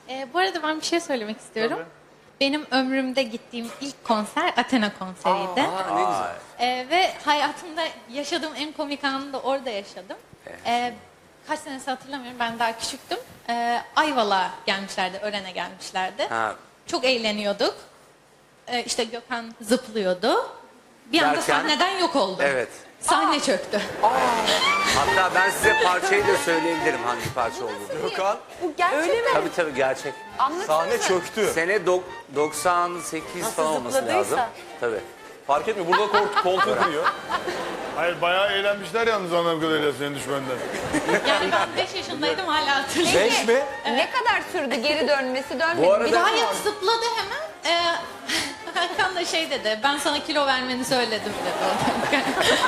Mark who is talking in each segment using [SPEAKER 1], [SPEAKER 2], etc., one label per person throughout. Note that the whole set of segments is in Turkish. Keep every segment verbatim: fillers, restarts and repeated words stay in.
[SPEAKER 1] Ee, bu arada ben bir şey söylemek istiyorum.
[SPEAKER 2] Tabii.
[SPEAKER 1] Benim ömrümde gittiğim ilk konser Athena konseriydi.
[SPEAKER 3] Aa, ne güzel.
[SPEAKER 1] Ee, ve hayatımda yaşadığım en komik anı da orada yaşadım. Ee, kaç senesi hatırlamıyorum, ben daha küçüktüm. Ee, Ayvalık'a gelmişlerdi, Ören'e gelmişlerdi.
[SPEAKER 3] Ha.
[SPEAKER 1] Çok eğleniyorduk. Ee, işte Gökhan zıplıyordu. Bir anda
[SPEAKER 3] Derken?
[SPEAKER 1] sahneden yok oldu.
[SPEAKER 3] Evet.
[SPEAKER 1] Sahne çöktü.
[SPEAKER 3] Hatta ben size parçayı da söyleyebilirim hangi parça olduğunu.
[SPEAKER 2] Gökhan
[SPEAKER 4] Bu gerçek
[SPEAKER 5] Öyle mi?
[SPEAKER 3] Tabii tabii gerçek.
[SPEAKER 2] sahne çöktü.
[SPEAKER 3] Sene dok- doksan sekiz
[SPEAKER 5] Nasıl
[SPEAKER 3] falan olması
[SPEAKER 5] zıpladıysa.
[SPEAKER 3] lazım. Tabii.
[SPEAKER 2] Fark etmiyor. Burada kol- koltuğu kırıyor.
[SPEAKER 6] Hayır bayağı eğlenmişler yalnız anladığım kadarıyla senin düşmenden.
[SPEAKER 1] Yani ben beş yaşındaydım, hala hatırlıyorum.
[SPEAKER 2] Beş mi?
[SPEAKER 4] Ne kadar sürdü geri dönmesi, dönmedi.
[SPEAKER 3] Bu arada-
[SPEAKER 4] Bir daha
[SPEAKER 1] Hayır, zıpladı hemen. Ee, Hakan da şey dedi, ben sana kilo vermeni söyledim dedi.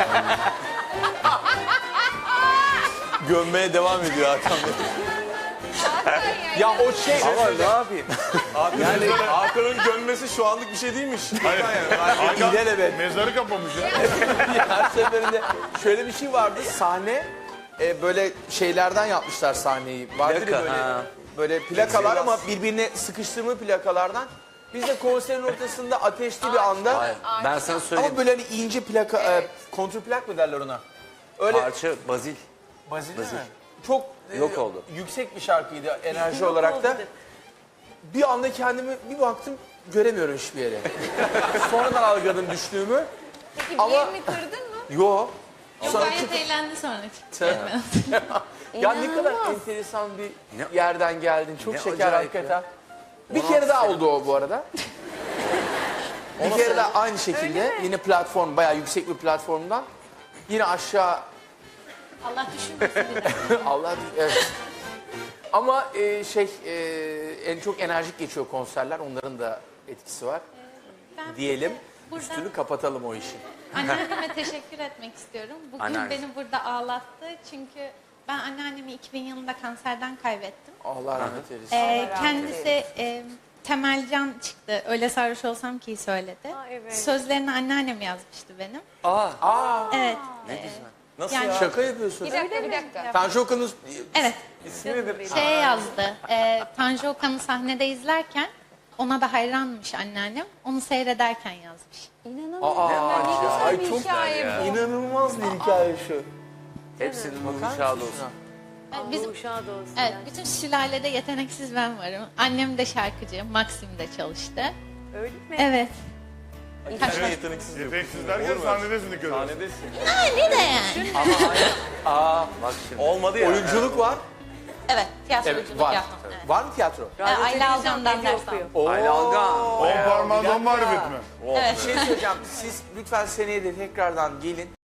[SPEAKER 2] Gömmeye devam ediyor Hakan Bey. Ya o şey...
[SPEAKER 3] Ama ne yapayım?
[SPEAKER 2] Abi yani Hakan'ın gömmesi şu anlık bir şey değilmiş.
[SPEAKER 6] Hayır.
[SPEAKER 2] Hakan İlelebet.
[SPEAKER 6] Mezarı kapamış ya.
[SPEAKER 7] Her seferinde şöyle bir şey vardı, sahne e, böyle şeylerden yapmışlar sahneyi. Vardır
[SPEAKER 3] Plaka,
[SPEAKER 7] ya böyle,
[SPEAKER 3] ha.
[SPEAKER 7] böyle plakalar ama birbirine sıkıştırma plakalardan. Biz de konserin ortasında ateşli bir anda
[SPEAKER 3] Hayır. Ben sana söyleyeyim.
[SPEAKER 7] ama böyle hani ince plaka, e, kontrplak mı derler ona? Öyle
[SPEAKER 3] Parça Bazil.
[SPEAKER 7] Bazil değil mi? Çok e,
[SPEAKER 3] Yok oldu.
[SPEAKER 7] yüksek bir şarkıydı enerji olarak da. Bir anda kendimi bir baktım göremiyorum hiçbir yere. Sonradan algıladım düştüğümü.
[SPEAKER 4] Peki bir
[SPEAKER 7] Ama-
[SPEAKER 4] yerini kırdın mı?
[SPEAKER 7] Yo.
[SPEAKER 1] Yok,
[SPEAKER 7] Sonra
[SPEAKER 1] gayet eğlendi sonra.
[SPEAKER 7] Ya ne kadar enteresan bir
[SPEAKER 3] Ne-
[SPEAKER 7] yerden geldin. Çok
[SPEAKER 3] Ne
[SPEAKER 7] şeker
[SPEAKER 3] acayip
[SPEAKER 7] hakikaten. Bir kere daha oldu o bu arada. bir kere daha aynı şekilde yine platform, bayağı yüksek bir platformdan yine aşağı
[SPEAKER 1] Allah düşünmesin bir de.
[SPEAKER 7] Allah evet. Ama e, şey e, en çok enerjik geçiyor konserler. Onların da etkisi var.
[SPEAKER 1] Ben
[SPEAKER 7] Diyelim.
[SPEAKER 1] buradan
[SPEAKER 7] Üstünü kapatalım o işin.
[SPEAKER 1] anneanneme teşekkür etmek istiyorum. Bugün
[SPEAKER 3] Anneanne.
[SPEAKER 1] beni burada ağlattı çünkü ben anneannemi iki bin yılında kanserden kaybettim.
[SPEAKER 7] Allah rahmet eylesin.
[SPEAKER 1] Ee, kendisi e, Temelcan çıktı. Öyle sarhoş olsam ki söyledi.
[SPEAKER 5] Aa, evet.
[SPEAKER 1] Sözlerini anneannem yazmıştı benim.
[SPEAKER 3] Aa,
[SPEAKER 7] Aa,
[SPEAKER 1] Evet.
[SPEAKER 3] ne güzel.
[SPEAKER 2] Nasıl
[SPEAKER 1] Yani-
[SPEAKER 2] ya?
[SPEAKER 7] şaka yapıyorsun.
[SPEAKER 4] Bir dakika, bir dakika.
[SPEAKER 7] Tanju Okan'ın
[SPEAKER 1] Evet.
[SPEAKER 2] İsmi nedir?
[SPEAKER 1] Şeye yazdı. E, Tanju Okan'ı sahnede izlerken ona da hayranmış anneannem. Onu seyrederken yazmış.
[SPEAKER 4] İnanamıyorum.
[SPEAKER 7] Aa,
[SPEAKER 4] Ne güzel
[SPEAKER 7] ay
[SPEAKER 4] bir
[SPEAKER 7] çok
[SPEAKER 4] hikaye bu.
[SPEAKER 7] inanılmaz bir hikaye şu.
[SPEAKER 3] Hepsinin ruhu
[SPEAKER 7] Bakar
[SPEAKER 3] şad
[SPEAKER 7] mısın
[SPEAKER 3] olsun.
[SPEAKER 7] şuna?
[SPEAKER 1] E, Bizim
[SPEAKER 5] Uşağı da olsun.
[SPEAKER 1] evet,
[SPEAKER 5] yani.
[SPEAKER 1] bütün sülalede yeteneksiz ben varım. Annem de şarkıcı, Maxim'de çalıştı.
[SPEAKER 5] Öyle mi?
[SPEAKER 1] Evet.
[SPEAKER 2] Sen yeteneksiz yok.
[SPEAKER 6] Yeteneksiz derken sahnedesin dikkat et.
[SPEAKER 2] Sahnedesin.
[SPEAKER 1] Ne de yani.
[SPEAKER 3] Aa, bak şimdi.
[SPEAKER 2] Olmadı ya.
[SPEAKER 7] Oyunculuk var.
[SPEAKER 1] Evet, tiyatroculuk
[SPEAKER 7] Evet, var.
[SPEAKER 1] yaptım. Evet.
[SPEAKER 7] Var mı tiyatro?
[SPEAKER 1] Ee, Ayla Algan'dan ders
[SPEAKER 5] okuyor.
[SPEAKER 1] aldım.
[SPEAKER 3] Ayla Algan.
[SPEAKER 6] On parmağından marifet mi?
[SPEAKER 1] Evet.
[SPEAKER 7] Bir şey söyleyeceğim. Siz lütfen seneye de tekrardan gelin.